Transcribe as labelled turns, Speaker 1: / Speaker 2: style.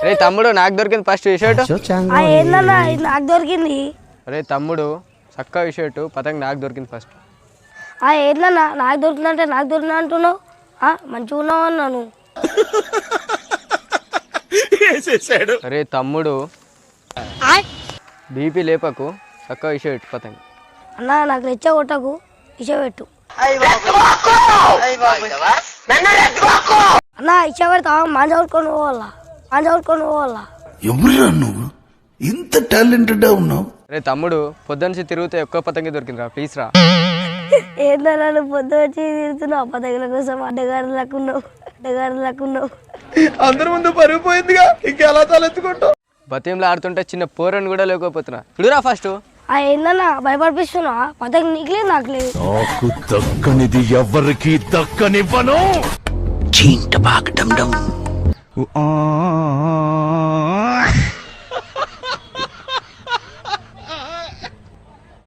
Speaker 1: రే తమ్ముడు నాకు దొరికింది ఫస్ట్ షర్ట్.
Speaker 2: ఏందన్నా ఇది నాకు దొరికింది.
Speaker 1: రే తమ్ముడు చక్క షర్ట్ పతంగ్ నాకు దొరికింది ఫస్ట్.
Speaker 2: ఏందన్నా నాకు దొరికిందంటే నాకు దొరికింది అంటున్నావు. మంచిగా ఉన్నావు అన్నాను.
Speaker 1: రే తమ్ముడు బీపీ లేపకు చక్క షర్ట్ పతంగ్.
Speaker 2: అన్నా నాకు రెచ్చ కొట్టకు ఇచ్చ పెట్టు. అన్నా ఇచ్చ పెడతా మంచి కొట్టుకొని పోవాలా
Speaker 3: ఎవరురా నువ్వు ఇంత టాలెంటెడ్ ఉన్నావు?
Speaker 1: రే తమ్ముడు పొద్దున్నుంచి తిరిగితే ఎక్కువ పతంగి దొరికిందిరా ప్లీజ్ రా.
Speaker 2: ఏందన్నా నువ్వు పొద్దు వచ్చి తిరుగుతున్నావు పతగల కోసం. అడ్డగారులకున్నావు.
Speaker 4: అందరి ముందు పరుగు పోయిందిగా ఇంకెలా తలెత్తుకుంటావు?
Speaker 1: బతీంలో ఆడుతుంటే చిన్న పోరని కూడా లేకపోతున్నా. చూడురా ఫస్ట్.
Speaker 2: ఏందన్నా భయపడిపిస్తున్నా? పతగ నీకు లేదు నాకు లేదు.
Speaker 3: నాకు దక్కనిది ఎవరికి దక్కనివ్వను. చీంట బాగడం